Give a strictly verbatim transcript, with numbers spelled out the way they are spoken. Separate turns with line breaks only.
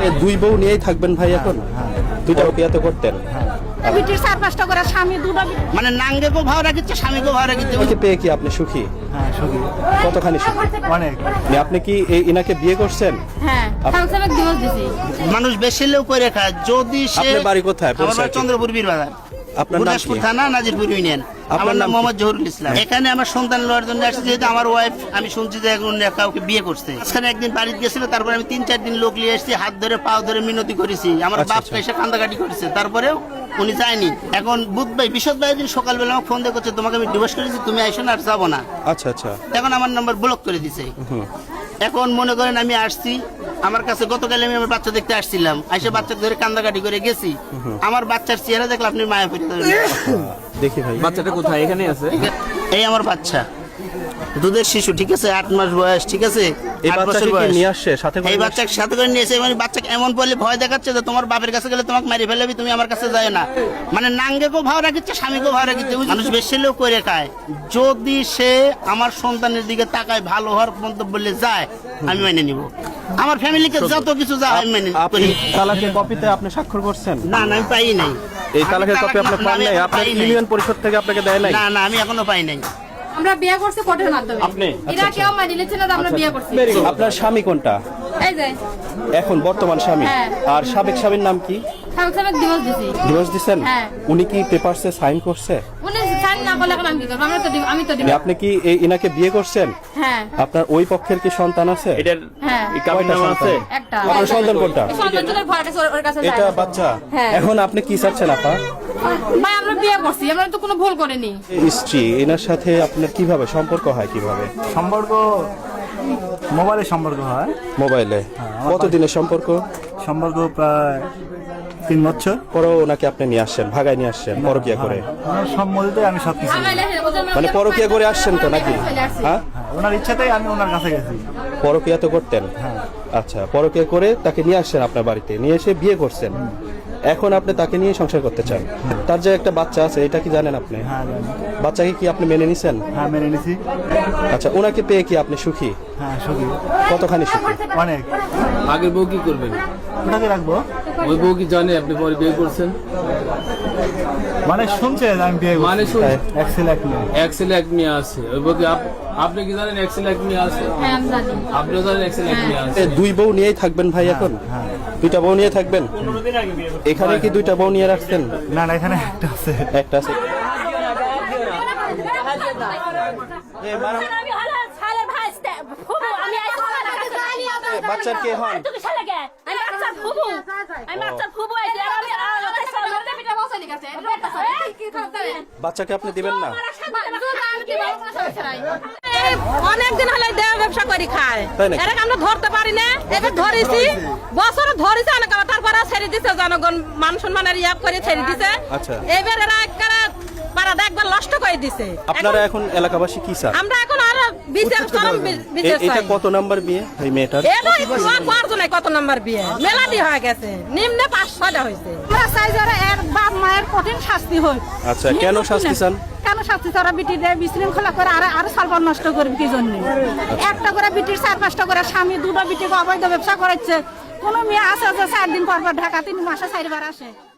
দুই বউ নিয়েই থাকবেন ভাই এখন? দুইটা বিয়াতে করতেন?
বিটির চার পাঁচটা করে স্বামী দুটো
মানে নাঙ্গেকেও ভাও রাখিচ্ছে স্বামীকেও ভাও রাখিচ্ছে।
ওকে পেয়ে কি আপনি সুখী?
হ্যাঁ সুখী,
কতখানি সুখী?
অনেক।
মানে আপনি কি এই ইনাকে বিয়ে করছেন?
হ্যাঁ সংসারে দিবস দিছি।
মানুষ বেশি লোক করে খায় যদি সে।
আপনার বাড়ি কোথায়?
আমার বাড়ি চন্দ্রপুর বীরবাজার,
আপনার নাম
গুরদাসপুর
কি?
থানা, নাজিরপুর ইউনিয়ন। আমার নাম মোহাম্মদ জহুরুল ইসলাম। এখানে আমার সন্তান লওয়ার জন্য আসছে, যেহেতু আমার ওয়াইফ আমি শুনছি যে এখন কাউকে বিয়ে করছে। এখানে একদিন বাড়িতে গেছিল, তারপরে আমি তিন চার দিন লোক নিয়ে এসেছি, হাত ধরে পাও ধরে মিনতি করেছি, আমার
আচ্ছা,
বাপ
আচ্ছা।
এসে কান্দাকাটি করেছে, তারপরেও উনি যায়নি। এখন বুধ ভাই বিশদ ভাই দিন সকালবেলা আমাকে ফোন দিয়ে করছে, তোমাকে আমি ডিভোর্স করেছি, তুমি আইসো না, আর যাবো না।
আচ্ছা আচ্ছা।
এখন আমার নাম্বার ব্লক করে দিছে। এখন মনে করেন আমি আসছি, আমার কাছে গতকাল আমি আমার বাচ্চা দেখতে আসছিলাম, আইসে বাচ্চা ধরে কান্দাকাটি করে গেছি। আমার বাচ্চার চেহারা দেখলে আপনি মায়া পড়ে যাবেন।
দেখি ভাই
বাচ্চাটা কোথায়? এখানে আছে।
এই আমার বাচ্চা, দুধের শিশু, ঠিক আছে, আট মাস বয়স, ঠিক আছে,
এই
আট বছর
বাচ্চাকে কি
বয়স।
নিয়ে আসছে সাথে করে?
এই বাচ্চাকে সাথে করে নিয়েছে, মানে বাচ্চাকে এমন বলে ভয় দেখাচ্ছে যে তোমার বাপের কাছে গেলে তোমাকে মারি ফেলবি, তুমি আমার কাছে যায় না। মানে নাঙ্গেকেও ভাও রাখিচ্ছে স্বামীকেও ভাও রাখিচ্ছে। মানুষ বেশি লোক করে খায়, যদি সে আমার সন্তানের দিকে তাকায় ভালো হওয়ার মন্তব্য বললে যায়, আমি মেনে নিব। আমার ফ্যামিলিকে যত কিছু যায় আমি মেনে
আপনি
করি।
তালাকের কপিতে আপনি স্বাক্ষর করছেন?
না না আমি পাই নাই।
এই তালাকের কপি আপনি পান নাই? আপনার ইউনিয়ন পরিষদ থেকে আপনাকে দেয় নাই?
না না আমি এখনো পাই নাই।
আমরা বিয়ে করছি কোর্টের মাধ্যমে।
আপনি?
এরা কেউ মানি নিচ্ছে না যে আমরা বিয়ে করছি।
আপনার স্বামী কোনটা
এই যে
এখন বর্তমান স্বামী?
হ্যাঁ।
আর সাবেক স্বামীর নাম কি?
সংসারে দিবস দিছি।
ডিভোর্স দিচ্ছেন?
হ্যাঁ।
উনি কি পেপারসে সাইন করছে?
উনি সাইন না করলে এখন আমি কি করব? আমরা তো দিব- আমি তো দিব।
আপনি কি এই ইনাকে বিয়ে করছেন?
হ্যাঁ
আপনার ওই পক্ষের কি সন্তান আছে?
এটার
হ্যাঁ
এই কাবিন নামা আছে।
একটা
আপনার সন্তান কোনটা?
সন্তান জনের ভয় আছে, ওর- ওর কাছে যায়
এটা
না।
বাচ্চা?
হ্যাঁ।
এখন আপনি কি চাচ্ছেন আপা?
ভাই আমরা বিয়ে করছি, আমরা তো কোনো ভুল করিনি।
স্ত্রী এনার সাথে আপনার কিভাবে সম্পর্ক হয়? কিভাবে
সম্পর্ক মোবাইলে সম্পর্ক হয়।
মোবাইলে? কতদিনের সম্পর্ক?
সম্পর্ক প্রায় তিন বছর।
পরও ওনাকে আপনি নিয়ে আসছেন, ভাগায় নিয়ে আসছেন পরকিয়া করে?
ওনার সম্মতিতে আমি সব কিছু,
মানে পরকিয়া করে আসছেন তো নাকি? হ্যাঁ,
ওনার ইচ্ছাতেই আমি ওনার কাছে গেছি।
পরকিয়া তো করতেন? আচ্ছা, পরকিয়া করে তাকে নিয়ে আসছেন আপনার বাড়িতে, নিয়ে এসে বিয়ে করছেন। এখন আপনি তাকে নিয়ে সংসার করতে চান। তার যে একটা বাচ্চা আছে, এটা কি জানেন আপনি?
হ্যাঁ জানি।
বাচ্চাকে কি আপনি মেনে নিছেন?
হ্যাঁ মেনে নিছি।
আচ্ছা, ওনাকে পেয়ে কি আপনি সুখী?
হ্যাঁ সুখী,
কতখানি সুখী?
অনেক।
আগের বউ কি করবেন?
ওটাকে রাখবো।
ওই বউ কি জানে আপনি পরে বিয়ে করছেন?
মানে শুনছে যে আমি বিয়ে করছি।
মানে শুন
এক ছেলে এক মেয়ে।
এক ছেলে এক মেয়ে আছে। ওই বউ কি আপ- আপনি কি জানেন এক ছেলে এক মেয়ে আছে?
হ্যাঁ আমি জানি।
আপনিও জানেন এক ছেলে এক মেয়ে আছে।
এ, দুই বউ নিয়েই থাকবেন ভাই এখন? দুইটা বউ নিয়ে থাকবেন? এখানে কি দুইটা বউ নিয়ে রাখছেন?
না না এখানে একটা আছে।
একটা আছে। বাচ্চার কে হন? বাচ্চাকে আপনি দিবেন না?
অনেকদিন হলে দেওয়া ব্যবসা করি খায়,
তাই নাকি?
এটাকে আমরা ধরতে পারি না। এবার ধরেছি বছর ধরেছে অনেক, তারপরে ছেড়ে দিছে, জনগণ মান সম্মানের ইয়াব করে ছেড়ে দিছে।
আচ্ছা।
এবার এরা একবারে পাড়াটা একবার নষ্ট করে দিছে।
আপনারা এখন এলাকাবাসী কি চান?
আমরা এখন আরো বিচার চরম বি-
এ-
বিচার
এটা
চাই।
কত নাম্বার বিয়ে এই মেয়েটার?
এলো পাঁচজনে কত নাম্বার বিয়ে মেলাদি হয়ে গেছে, নিম্নে পাঁচ ছয়টা হয়েছে। আমরা চাই যারা এর বাপ মায়ের কঠিন শাস্তি হোক।
আচ্ছা, কেন শাস্তি চান?
কেন শাস্তি? তারা বিটির বিশৃঙ্খলা করে আর আরো সালবার নষ্ট করবে কি জন্য? একটা করে বিটির চার পাঁচটা করে স্বামী, দুটো বিটিকে অবৈধ ব্যবসা করাচ্ছে। কোনো মেয়ে আছে যে চার দিন পর পর ঢাকা, তিন মাসে চারবার আসে।